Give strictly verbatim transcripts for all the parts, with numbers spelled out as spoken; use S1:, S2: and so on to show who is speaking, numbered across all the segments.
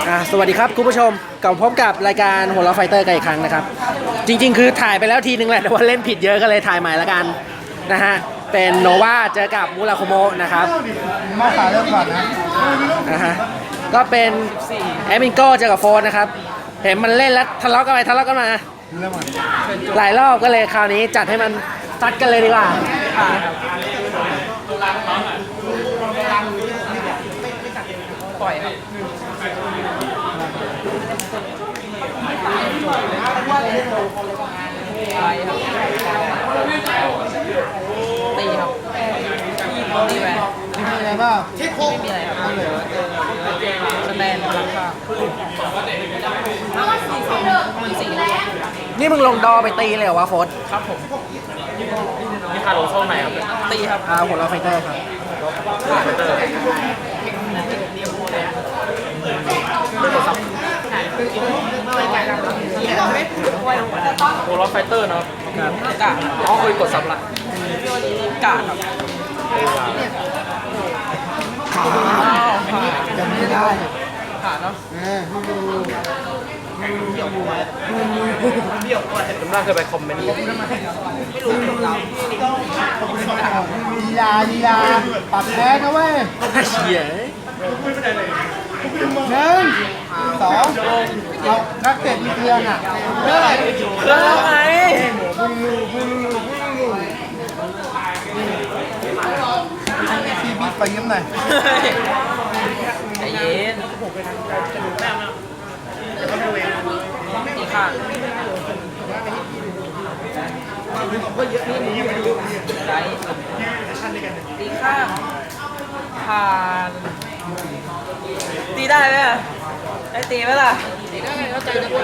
S1: อ่าสวัสดีครับคุณผู้ชมกลับพบกับรายการหัวเราะไฟเตอร์กันอีกครั้งนะครับจริงๆคือถ่ายไปแล้วทีนึงแหละแต่ว่าเล่นผิดเยอะก็เลยถ่ายใหม่ละกันนะฮะเป็นโนวาเจอกับมูราโคโมะนะครับ
S2: มาขาเริ่มก่อนนะ
S1: นะฮะก็เป็นแอมินโก้เจอกับโฟนนะครับเห็นมันเล่นแล้วทะเลาะกันไปทะเลาะกันมาหลายรอบก็เลยคราวนี้จัดให้มันซัดกันเลยดีกว่า
S3: ปล่อยครับอะไรครับตีครับตีแวน
S2: มีอะไรบ้าง
S3: ไม่มีอะไรครับสแตนราคามันสี่
S1: นี่มึงลงดอไปตีเลยเหรอวะโฟน
S3: ครับผมนี่คาโลโซ่ไหนครับตีครับ
S1: อ่าหัวเราะไฟเตอร์ครับ
S3: โวลไฟเตอร์เนาะกะอ๋อเคยกดซับละกะครับ
S2: ยังไม่ได้
S3: ผ่านเนาะ
S2: เออไม่ดู
S3: จำได้เคยไปคอมเมนต์ไม่รู้
S2: ลีลาลีลาปัดแพ้นะเว้ย
S1: เฉีย
S2: หนึ่งสองเอานักเตะมีเครื่องอ่ะเฮ้ย
S3: เครื่องไง
S2: ซีบีไปยิ้มหน่อย
S3: ใจเย็นตีข้างได้ตีข้างผ่านตีได้ไหมอ่ะได้ตีไหมล่ะตีได้เข้าใจจะพูด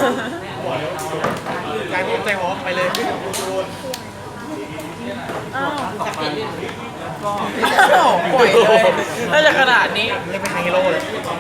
S3: ใจพูดใจหอมไปเลยอ้าวปล่อยเลยน่าจะขนาดนี้เล่นเป็นฮีโร่เลย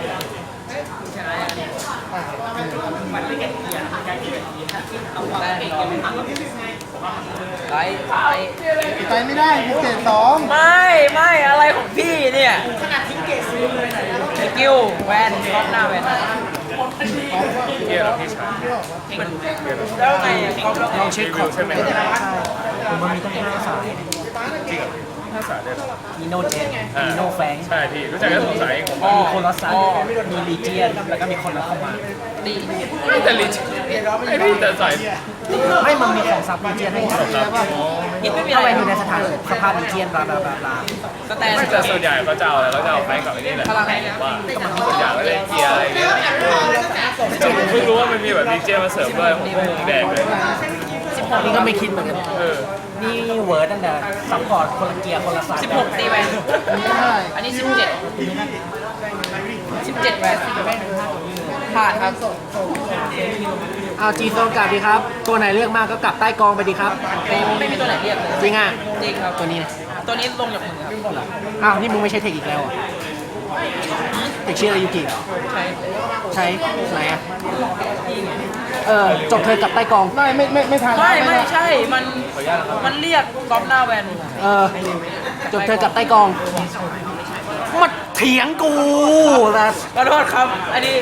S3: ไล่ไล่
S2: ไปไม่ได้เกรดสอง
S3: ไม่ไม่อะไรของพี่เนี่ยขนาดทิ้งเกรดซื้อเลยสกิลแวนรอบหน้าแวนเกียร์เราพี่ชายแล้วไง
S1: ลองเช็คของใช่ไหมผมมันมีต้องห้าสาย
S4: จริงเหรอห้าสายเลย
S1: มีโนเจนมีโนแฟง
S4: ใช่พี่รู้จักแค่สองสายเองผม
S1: มีโคลอสซัสมีลีเจียนแล้วก็มีคนรับเข้ามา
S3: ดี
S4: แต่ลิชไอ้พี่แต่สาย
S1: ไม่มันมีของซับลีเจียนให้ครับ
S3: ยินไม่มีอะ
S1: เข้า
S3: ไร
S1: ไปอยู่ในสถานสภาพลีเจียนบลาบลาบลาบลา
S3: สแตน
S4: แต่ส่วนใหญ่เขาจะเอาอะไรเขาจะเอาแฟงกับไอ้นี่แหละว่าส่วนใหญ่ก็เลยเกียร์อะไรเงี้ยแต่ผมเพิ่งรู้ว่ามันมีแบบดีเจมาเสริมด้วยผมเพิ่งแดกเลย
S1: นี่ก็ไม่คิดเหมือนกันนี่เวิร์ดตั้งแต่ซัพพอร์ตคนละเกียร์คนละสาย
S3: สิบหกตีแวนอันนี้สิบเจ็ดสิบเจ็ดแวนผ่านครับ
S1: เอาจีโซนกลับดีครับตัวไหนเลือกมากก็กลับใต้กองไปดีครับ
S3: ไม่มีตัวไหนเรียกเลย
S1: จริงอ่ะ
S3: จริงครับ
S1: ตัวนี้นะ
S3: ตัวนี้ลงจากมือครับ
S1: อ้าวนี่มึงไม่ใช่เทคอีกแล้วอ่ะเทคชื่ออะไรยูกิ
S3: ใช่
S1: ใช้ไหนอ่ะเออจบเธอกับใต้กอง
S2: ไม่ไม่ไม่ไม่ทัน
S3: ไม่ไม่ใช่มันมันเรียกกอล์ฟหน้าแวน
S1: เออจบเธอกับใต้กองมาเถียงกูนะ
S3: ขอโทษครับอันนี้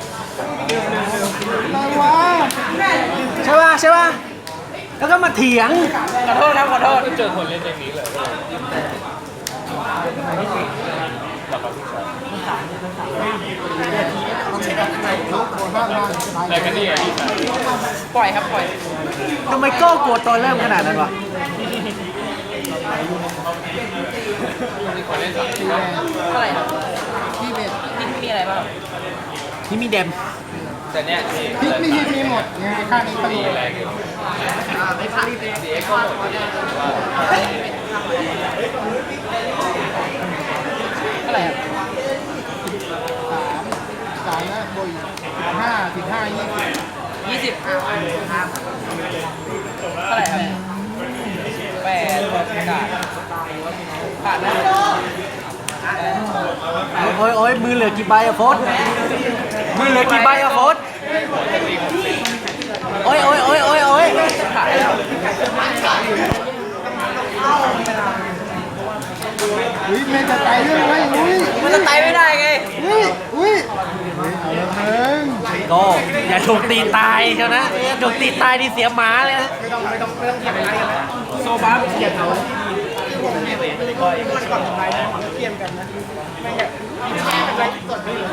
S1: ใช่ป่ะใช่ป่ะแล้วก็มาเถียง
S3: ขอโทษครับขอโทษ
S4: เจอคนเล่นอย่างนี้เลยอะไรกันนี่อ่ะพี่ชาย
S3: ปล่อยครับปล่อย
S1: ทำไมโก้กลัวตอนเริ่มขนาดนั้นวะ
S3: เท่าไหร่ครับพี่เบสพี่มีอะไรบ้าง
S1: นี่มีเดม
S4: แต่เนี้ย
S2: พริกไม่ฮิตมีหมดไงข้างนี้ตลก
S4: แรงอยู่
S3: ไม่ผ่านดีเอ็กซ์ก็หมดเท่าไหร่ครับ
S2: สามนะบอยห้าสิบห้ายี่สิบ
S3: ยี่สิบเท่าไหร่ครับแปดกาดผ่านนะ
S1: โอ้ยโอ้ยมือเหลือกี่ใบอะโฟสมือเหลือกี่ใบอะโฟสโอ้ยโอ้ยโอ้ยโอ้ยโอ้ย
S3: ผ่านแล้ว
S2: อุ้ยมันจะไต่ด้วยไหมอุ้ย
S3: มันจะไต่ไม่ได้ไง
S2: อุ้ยอุ้ย
S1: โก้อย่าถูกตีตายเชียวนะถูกตีตายนี่เสียหมาเลยนะ
S2: ไม่ต้องไม่ต้องไม่ต้องทำอะไรกันแล้ว
S3: โซบัส
S2: เกียร์เขามันก่อนทำลายนะเทียมกันนะไม่แบบเป็นไรส่วนนี้เลย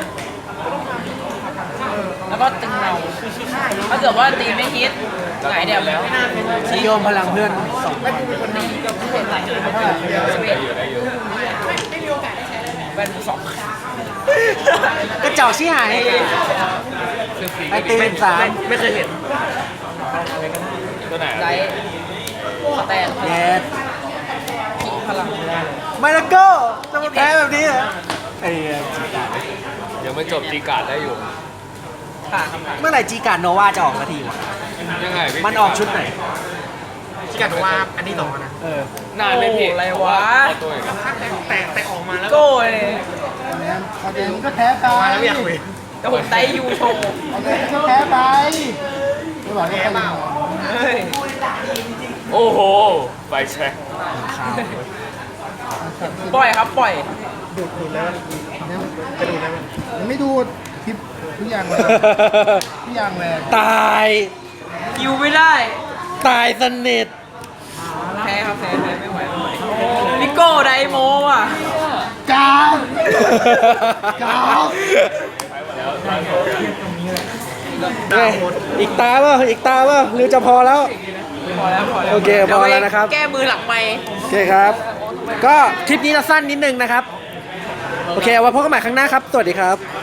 S3: แล้วก็ตึงเราถ้าเกิดว่าตีไม่ฮิตหงายเดียวแล้ว
S1: นิยมพลังเพื่อนสอง
S2: ไม่เป็นคนดีกับผู้คนไหนเลย
S3: แวนสอง
S1: กระเจ้าชี้หายไอตีเป็นสาม
S3: ไม่เคยเห็น
S4: ตัวไหน
S3: ไดสแตน
S1: เยส
S3: ขีพลัง
S1: ไม่ละโก้จะมาแพ้แบบนี้เหรอไอ้เหี้ยจีการ์ด
S4: ยังไม่จบตีการ์ดได้อยู่
S3: ค่ะ
S1: เมื่อไหร่จีการ์ดโนวาจะออกสักทีวะ
S4: ยังไงพี่
S1: มันออกชุดไหน
S2: ที่กันว่าอันนี้ต่อนะ
S1: เออ
S4: นานเลยพี่
S3: อะไรวะ
S4: เอาตัวอีก
S2: แต่แต่ออกมาแล้ว
S3: โก้เลย
S2: เอาเดี๋ยวมันก็แพ้ไปแล้วไม่อยากเว้ย
S3: แต่ผมไดยูโชว์
S2: เอาเดี๋ยวมันก็แพ้ไปไม่บอกว่าใครมา
S3: เฮ้ย
S4: โอ้โหไฟแช็ค
S3: ปล่อยครับปล่อย
S2: ดูดดูดแล้วเนี่ยจะดูดแล้วมันไม่ดูดทิปทุกอย่างเลยทุกอย่างเลย
S1: ตาย
S3: ยูไม่ได้
S1: ตายสนิท
S3: แพ้ครับแพ้แพ้ไม่ไหวไม่ไหวพี่โก้ไดโมอ่ะ
S2: กาวกาว
S1: เฮ้ยอีกตาเปล่าอีกตาเปล่าหรือจะพอแล้ว
S3: พอแล้วพอแล้ว
S1: โอเคพอแล้วนะครับ
S3: แก้มือหลังไม้
S1: โอเคครับ ก็คลิปนี้เราสั้นนิดนึงนะครับ โอเคเอาไว้พบกันใหม่ครั้งหน้าครับ สวัสดีครับ